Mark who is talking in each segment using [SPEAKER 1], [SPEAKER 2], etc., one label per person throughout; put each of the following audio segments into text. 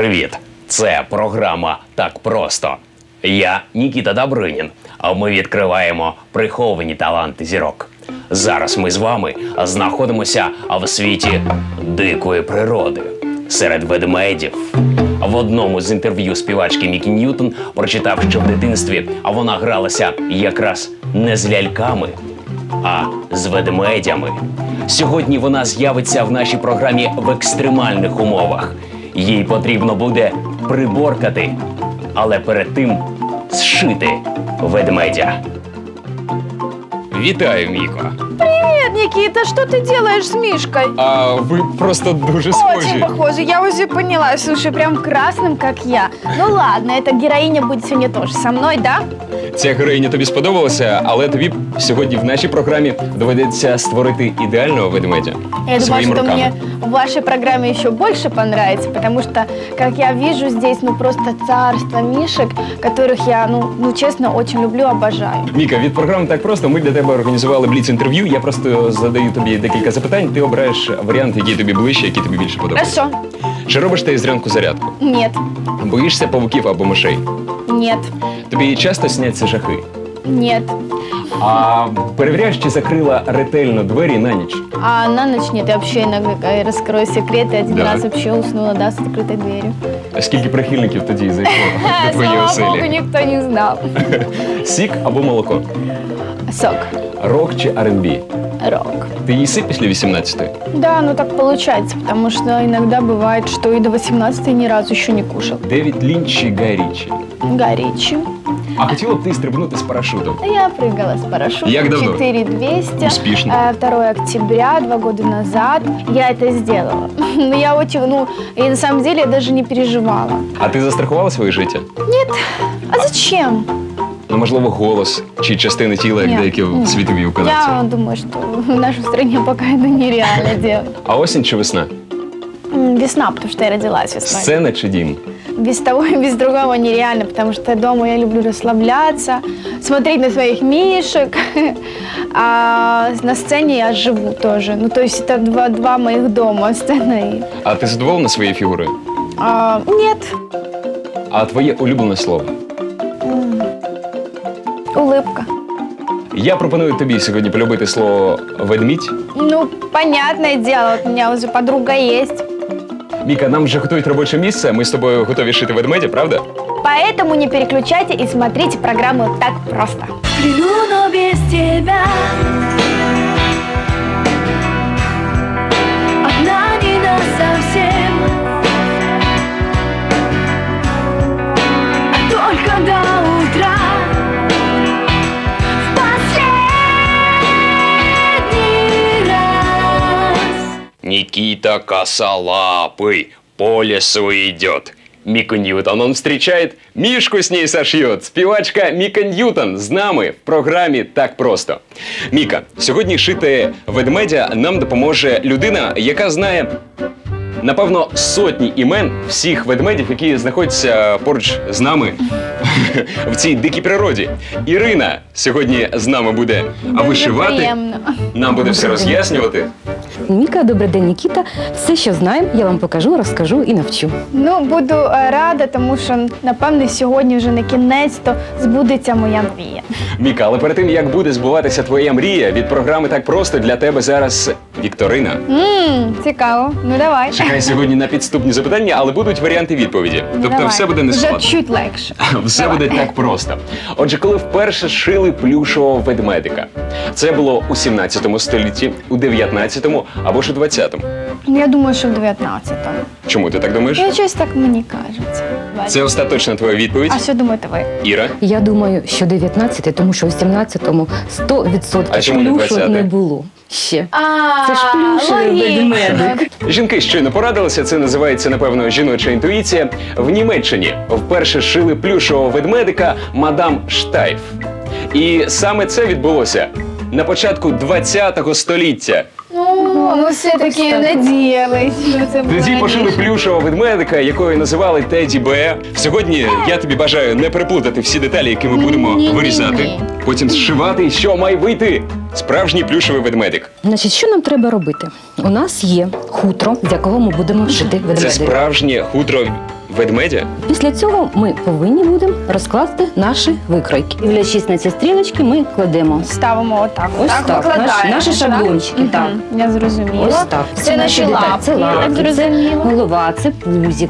[SPEAKER 1] Привіт! Це програма «Так просто». Я Нікіта Добринін, а ми відкриваємо приховані таланти зірок. Зараз ми з вами знаходимося в світі дикої природи, серед ведмедів. В одному з інтерв'ю співачки Мікі Ньютон прочитав, що в дитинстві вона гралася якраз не з ляльками, а з ведмедями. Сьогодні вона з'явиться в нашій програмі в екстремальних умовах. Їй потрібно буде приборкати, але перед тим зшити ведмедя. Вітаю, Міко.
[SPEAKER 2] Привет, Никита, что ты делаешь с Мишкой?
[SPEAKER 3] А вы просто дуже схожи.
[SPEAKER 2] Очень похоже, я уже поняла. Слушай, прям красным, как я. Ну ладно, эта героиня будет сегодня тоже со мной, да?
[SPEAKER 3] Ця героїня тобі сподобалася, але тобі сьогодні в нашій програмі доведеться створити ідеального ведмедя
[SPEAKER 2] Я думаю,
[SPEAKER 3] своїми
[SPEAKER 2] что
[SPEAKER 3] руками.
[SPEAKER 2] мне в вашей программе еще больше понравится, потому что, как я вижу, здесь просто царство мишек, которых я, честно, очень люблю, обожаю.
[SPEAKER 3] Міка, від програми «Так просто» ми для тебе організували бліц-інтерв'ю. Я просто задаю тобі декілька запитань, ти обираєш варіант, який тобі ближче, який тобі більше подобається.
[SPEAKER 2] Хорошо.
[SPEAKER 3] Чи робиш ти зранку зарядку?
[SPEAKER 2] Нет.
[SPEAKER 3] Боїшся павуків або мишей?
[SPEAKER 2] Нет.
[SPEAKER 3] Тобі часто сняться жахи?
[SPEAKER 2] Нет.
[SPEAKER 3] А перевіряєш, чи закрила ретельно двері на ніч?
[SPEAKER 2] А на ночь нет, я вообще иногда раскрою секреты. Один
[SPEAKER 3] Да.
[SPEAKER 2] раз вообще уснула, да, с открытой дверью.
[SPEAKER 3] А скільки прихильників тоді зайшло до твоєї
[SPEAKER 2] Слава Богу,
[SPEAKER 3] оселі?
[SPEAKER 2] никто не знал.
[SPEAKER 3] Сік або молоко?
[SPEAKER 2] Сок.
[SPEAKER 3] Рок чи R&B?
[SPEAKER 2] Рок.
[SPEAKER 3] Ти їси після 18-ї?
[SPEAKER 2] Да, так получается, потому что иногда бывает, что и до 18 ни разу еще не кушал.
[SPEAKER 3] Девід Лінч чи Гай Річі?
[SPEAKER 2] Горячий.
[SPEAKER 3] А хотіла б ти стрибнути з парашутом?
[SPEAKER 2] Я прыгала с парашютом.
[SPEAKER 3] Як давно?
[SPEAKER 2] 4200.
[SPEAKER 3] Успешно.
[SPEAKER 2] 2 октября, 2 года назад. Я это сделала. Но я очень, и на самом деле я даже не переживала.
[SPEAKER 3] А ти застрахувала своє життя?
[SPEAKER 2] Нет. А зачем?
[SPEAKER 3] Ну, можливо, голос чи частини тіла, як
[SPEAKER 2] Ні,
[SPEAKER 3] деякі
[SPEAKER 2] ні.
[SPEAKER 3] світові
[SPEAKER 2] Я
[SPEAKER 3] виконавці.
[SPEAKER 2] думаю, что в нашей стране пока это нереально делать.
[SPEAKER 3] А осінь чи весна?
[SPEAKER 2] Весна, потому что я родилась весной.
[SPEAKER 3] Сцена чи дім?
[SPEAKER 2] Без того и без другого нереально, потому что дома я люблю расслабляться, смотреть на своих мишек, а на сцене я живу тоже. То есть это два моих дома, сцена и...
[SPEAKER 3] А ти задоволена своєю фігурою?
[SPEAKER 2] Нет,
[SPEAKER 3] А твоє улюблене слово?
[SPEAKER 2] улыбка.
[SPEAKER 3] Я пропоную тобі сьогодні полюбити слово «ведмідь».
[SPEAKER 2] Понятное дело, вот у меня уже подруга есть.
[SPEAKER 3] Міка, нам вже готують робоче місце, ми з тобою готові шити ведмедя, правда?
[SPEAKER 2] Поэтому не переключайте и смотрите программу «Так просто».
[SPEAKER 4] Плену, но без тебя. Одна не насовсем, а только до утра. В последний раз.
[SPEAKER 1] Никита Косолапый по лесу идет.
[SPEAKER 3] Міку Ньютон, он встречает, Мишку с ней сошьет. Співачка Міка Ньютон з нами в програмі «Так просто». Міка, сьогодні шити ведмедя нам допоможе людина, яка знає, напевно, сотні імен всіх ведмедів, які знаходяться поруч з нами в цій дикій природі. Ірина сьогодні з нами буде вишивати,
[SPEAKER 2] Приємно.
[SPEAKER 3] нам буде все роз'яснювати.
[SPEAKER 5] Міка, добрий день, Нікіта. Все, що знаємо, я вам покажу, розкажу і навчу.
[SPEAKER 2] Буду рада, тому що, напевно, сьогодні вже на кінець-то збудеться моя мрія.
[SPEAKER 3] Міка, але перед тим, як буде збуватися твоя мрія, від програми «Так просто» для тебе зараз вікторина.
[SPEAKER 2] Цікаво. Давай.
[SPEAKER 3] Чекай сьогодні на підступні запитання, але будуть варіанти відповіді. Тобто
[SPEAKER 2] Давай.
[SPEAKER 3] все буде не
[SPEAKER 2] Вже
[SPEAKER 3] складно.
[SPEAKER 2] чуть легше.
[SPEAKER 3] Все
[SPEAKER 2] Давай.
[SPEAKER 3] буде так просто. Отже, коли вперше шили плюшового ведмедика? Це було у 17 столітті, у 19-му або ж у 20-му?
[SPEAKER 2] Я думаю, що в 19-му.
[SPEAKER 3] Чому ти так думаєш?
[SPEAKER 2] Щось так мені кажеться.
[SPEAKER 3] Це остаточна твоя відповідь?
[SPEAKER 2] А що думаєте ви?
[SPEAKER 3] Іра?
[SPEAKER 5] Я думаю, що 19-й, тому що у 17-му
[SPEAKER 3] А
[SPEAKER 5] 100%
[SPEAKER 3] чому не
[SPEAKER 5] плюшу
[SPEAKER 3] 20-й?
[SPEAKER 5] не було. Ще.
[SPEAKER 2] А,
[SPEAKER 5] Це ж плюшевий ведмедик.
[SPEAKER 3] Жінки щойно порадилися, це називається, напевно, жіноча інтуїція. В Німеччині вперше шили плюшового ведмедика мадам Штайф. І саме це відбулося на початку 20-го століття.
[SPEAKER 2] Ми все-таки надіялись, що це буде
[SPEAKER 3] Тоді пошили
[SPEAKER 2] раніше.
[SPEAKER 3] плюшевого ведмедика, якого називали Теді Бе. Сьогодні я тобі бажаю не переплутати всі деталі, які ми будемо
[SPEAKER 2] Ні-ні-ні.
[SPEAKER 3] вирізати, потім зшивати, і що має вийти справжній плюшевий ведмедик.
[SPEAKER 5] Значить, що нам треба робити? У нас є хутро, з якого ми будемо шити
[SPEAKER 3] Це
[SPEAKER 5] ведмедика.
[SPEAKER 3] справжнє хутро ведмедя?
[SPEAKER 5] Після цього ми повинні будемо розкласти наші викройки. Дивлячись на ці стрілочки, ми кладемо
[SPEAKER 2] Ставимо отак.
[SPEAKER 5] ось так,
[SPEAKER 2] викладаємо,
[SPEAKER 5] наші шаблончики.
[SPEAKER 2] Мгм,
[SPEAKER 5] Так.
[SPEAKER 2] Я зрозуміла.
[SPEAKER 5] Ось так.
[SPEAKER 2] Це наші
[SPEAKER 5] деталі.
[SPEAKER 2] лапки.
[SPEAKER 5] Це
[SPEAKER 2] Я так
[SPEAKER 5] лапки, це
[SPEAKER 2] зрозуміла.
[SPEAKER 5] голова, це пузик.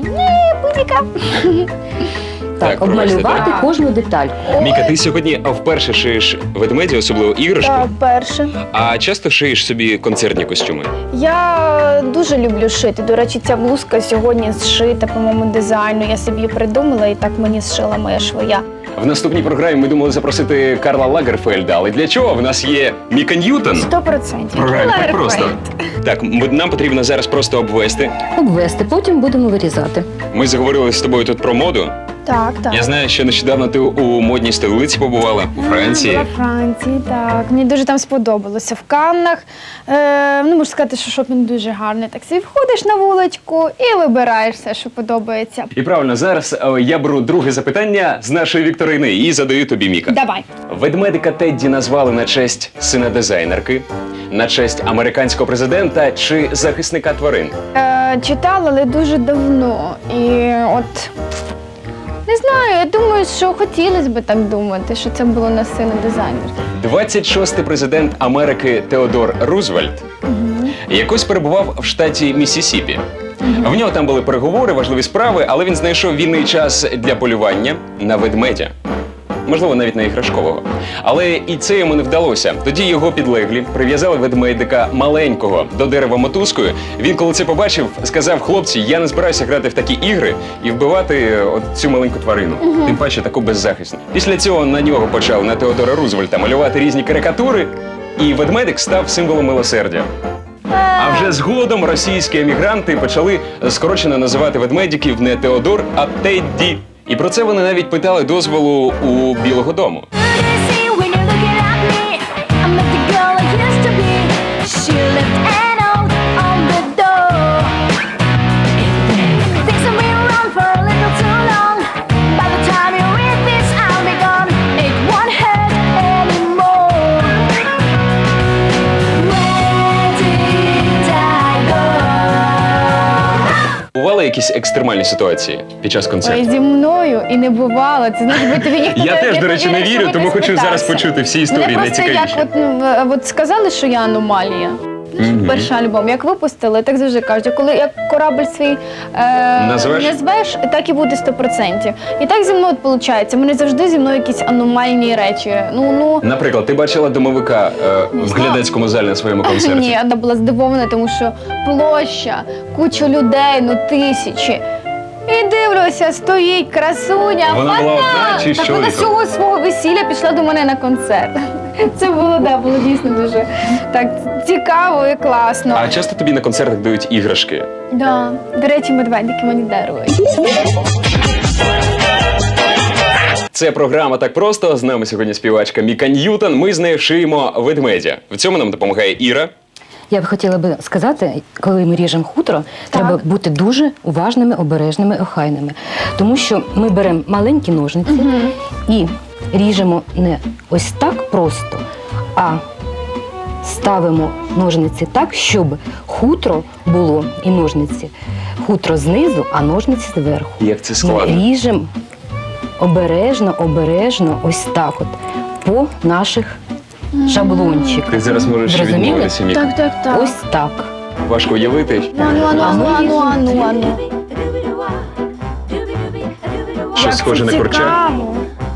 [SPEAKER 3] Так,
[SPEAKER 5] Так,
[SPEAKER 3] пробачте,
[SPEAKER 5] обмалювати
[SPEAKER 2] так.
[SPEAKER 5] кожну детальку.
[SPEAKER 3] Міка, ти сьогодні вперше шиєш ведмедя, особливо іграшку,
[SPEAKER 2] Так, перше.
[SPEAKER 3] а часто шиєш собі концертні костюми?
[SPEAKER 2] Я дуже люблю шити. До речі, ця блузка сьогодні зшита по моєму дизайну. Я собі її придумала і так мені зшила моя швея.
[SPEAKER 3] В наступній програмі ми думали запросити Карла Лагерфельда, але для чого? В нас є Міка Ньютон.
[SPEAKER 2] 100%.
[SPEAKER 3] В програмі так
[SPEAKER 2] Лагерфельд.
[SPEAKER 3] просто. Так, нам потрібно зараз просто обвести.
[SPEAKER 5] Обвести, потім будемо вирізати.
[SPEAKER 3] Ми заговорили з тобою тут про моду.
[SPEAKER 2] Так, так.
[SPEAKER 3] Я знаю, що нещодавно ти у модній столиці побувала, у Франції.
[SPEAKER 2] Була в Франції, так. Мені дуже там сподобалося. В Каннах, ну, можу сказати, що шопінг дуже гарний. Так собі входиш на вуличку і вибираєш все, що подобається.
[SPEAKER 3] І правильно, зараз я беру друге запитання з нашої вікторини і задаю тобі, Міка.
[SPEAKER 2] Давай.
[SPEAKER 3] Ведмедика Тедді назвали на честь сина дизайнерки, на честь американського президента чи захисника тварин?
[SPEAKER 2] Читала, але дуже давно. І от... Не знаю, я думаю, що хотілося б так думати, що це було на сина дизайнера.
[SPEAKER 3] 26-й президент Америки Теодор Рузвельт якось перебував в штаті Міссісіпі. В нього там були переговори, важливі справи, але він знайшов вільний час для полювання на ведмедя. Можливо, навіть на іграшкового. Але і це йому не вдалося. Тоді його підлеглі прив'язали ведмедика маленького до дерева мотузкою. Він, коли це побачив, сказав: хлопці, я не збираюся грати в такі ігри і вбивати от цю маленьку тварину. Тим паче таку беззахисну. Після цього на нього почали, на Теодора Рузвельта, малювати різні карикатури, і ведмедик став символом милосердя. А вже згодом російські емігранти почали скорочено називати ведмедиків не Теодор, а Тедді. І про це вони навіть питали дозволу у Білого дому. Бували якісь екстремальні ситуації під час
[SPEAKER 2] Ой,
[SPEAKER 3] концерту?
[SPEAKER 2] зі мною і не бувало. Це значить, би тобі ніхто
[SPEAKER 3] Я
[SPEAKER 2] не-
[SPEAKER 3] теж,
[SPEAKER 2] не
[SPEAKER 3] до речі, не
[SPEAKER 2] повірив,
[SPEAKER 3] вірю,
[SPEAKER 2] що
[SPEAKER 3] тому
[SPEAKER 2] ти
[SPEAKER 3] хочу зараз
[SPEAKER 2] спитався.
[SPEAKER 3] почути всі історії
[SPEAKER 2] Мене просто
[SPEAKER 3] найцікавіші.
[SPEAKER 2] як от сказали, що я аномалія. Перший альбом, як випустили, так завжди кажуть, коли як корабль свій назвеш, так і буде 100%. І так зі мною виходить. Мене завжди зі мною якісь аномальні речі.
[SPEAKER 3] Наприклад, ти бачила домовика в
[SPEAKER 2] знаю.
[SPEAKER 3] глядацькому залі на своєму концерті?
[SPEAKER 2] Ні, вона була здивована, тому що площа, куча людей, тисячі. І дивлюся, стоїть красуня,
[SPEAKER 3] Вона була одна чи з
[SPEAKER 2] так вона
[SPEAKER 3] чоловіком?
[SPEAKER 2] з цього свого весілля пішла до мене на концерт. Це було дійсно дуже так цікаво і класно.
[SPEAKER 3] А часто тобі на концертах дають іграшки?
[SPEAKER 2] Да. До речі, медведики мені дарують.
[SPEAKER 3] Це програма «Так просто». З нами сьогодні співачка Міка Ньютон. Ми з нею шиємо ведмедя. В цьому нам допомагає Іра.
[SPEAKER 5] Я б хотіла би сказати, коли ми ріжемо хутро, треба бути дуже уважними, обережними, охайними. Тому що ми беремо маленькі ножниці і ріжемо не ось так просто, а ставимо ножниці так, щоб хутро було і ножниці. Хутро знизу, а ножниці зверху.
[SPEAKER 3] Як це складно.
[SPEAKER 5] Ми ріжемо обережно, обережно, ось так от, по наших шаблончиках.
[SPEAKER 3] Ти зараз можеш
[SPEAKER 5] Зрозуміли?
[SPEAKER 3] відмовитися, Міка.
[SPEAKER 2] Так.
[SPEAKER 5] Ось так.
[SPEAKER 3] Важко уявити.
[SPEAKER 2] Ану.
[SPEAKER 3] Щось схоже на курчак.
[SPEAKER 2] Цікаво.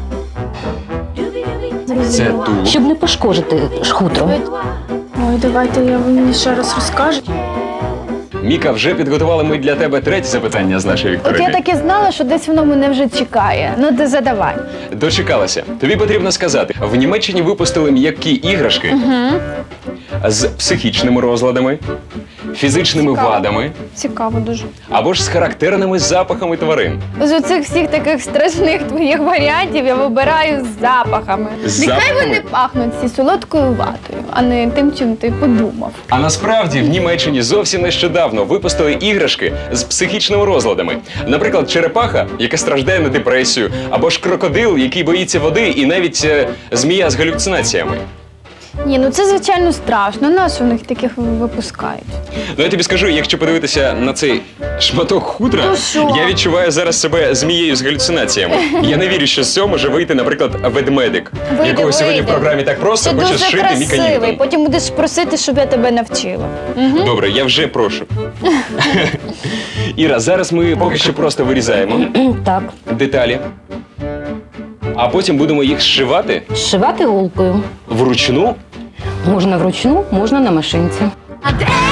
[SPEAKER 3] Це тулуб.
[SPEAKER 5] Щоб не пошкодити хутро.
[SPEAKER 2] Ой, давайте я мені ще раз розкажу.
[SPEAKER 3] Міка, вже підготували ми для тебе третє запитання з нашої
[SPEAKER 2] От я
[SPEAKER 3] вікторини.
[SPEAKER 2] так і знала, що десь воно мене вже чекає. Ну, ти задавай.
[SPEAKER 3] Дочекалася. Тобі потрібно сказати, в Німеччині випустили м'які іграшки з психічними розладами, фізичними
[SPEAKER 2] Цікаво.
[SPEAKER 3] вадами
[SPEAKER 2] Цікаво дуже.
[SPEAKER 3] або ж з характерними запахами тварин.
[SPEAKER 2] З оцих всіх таких страшних твоїх варіантів я вибираю з запахами.
[SPEAKER 3] З
[SPEAKER 2] Нехай
[SPEAKER 3] запахами?
[SPEAKER 2] вони пахнуть всі солодкою ватою, а не тим, чим ти подумав.
[SPEAKER 3] А насправді в Німеччині зовсім нещодавно випустили іграшки з психічними розладами. Наприклад, черепаха, яка страждає на депресію, або ж крокодил, який боїться води, і навіть змія з галюцинаціями.
[SPEAKER 2] Ні, ну це звичайно страшно. Нас у них таких випускають.
[SPEAKER 3] Ну я тобі скажу, якщо подивитися на цей шматок хутра,
[SPEAKER 2] Ну що?
[SPEAKER 3] я відчуваю зараз себе змією з галюцинаціями. Я не вірю, що з цього може вийти, наприклад, ведмедик, якого сьогодні в програмі так просто
[SPEAKER 2] Ти
[SPEAKER 3] хоче
[SPEAKER 2] дуже
[SPEAKER 3] зшити Міка
[SPEAKER 2] красивий.
[SPEAKER 3] Ньютон.
[SPEAKER 2] Потім будеш просити, щоб я тебе навчила.
[SPEAKER 3] Добре, я вже прошу. Іра, зараз ми поки що просто вирізаємо
[SPEAKER 5] Так,
[SPEAKER 3] деталі, а потім будемо їх зшивати
[SPEAKER 5] зшивати голкою.
[SPEAKER 3] вручну.
[SPEAKER 5] Можна вручну, можна на машинці.
[SPEAKER 4] А де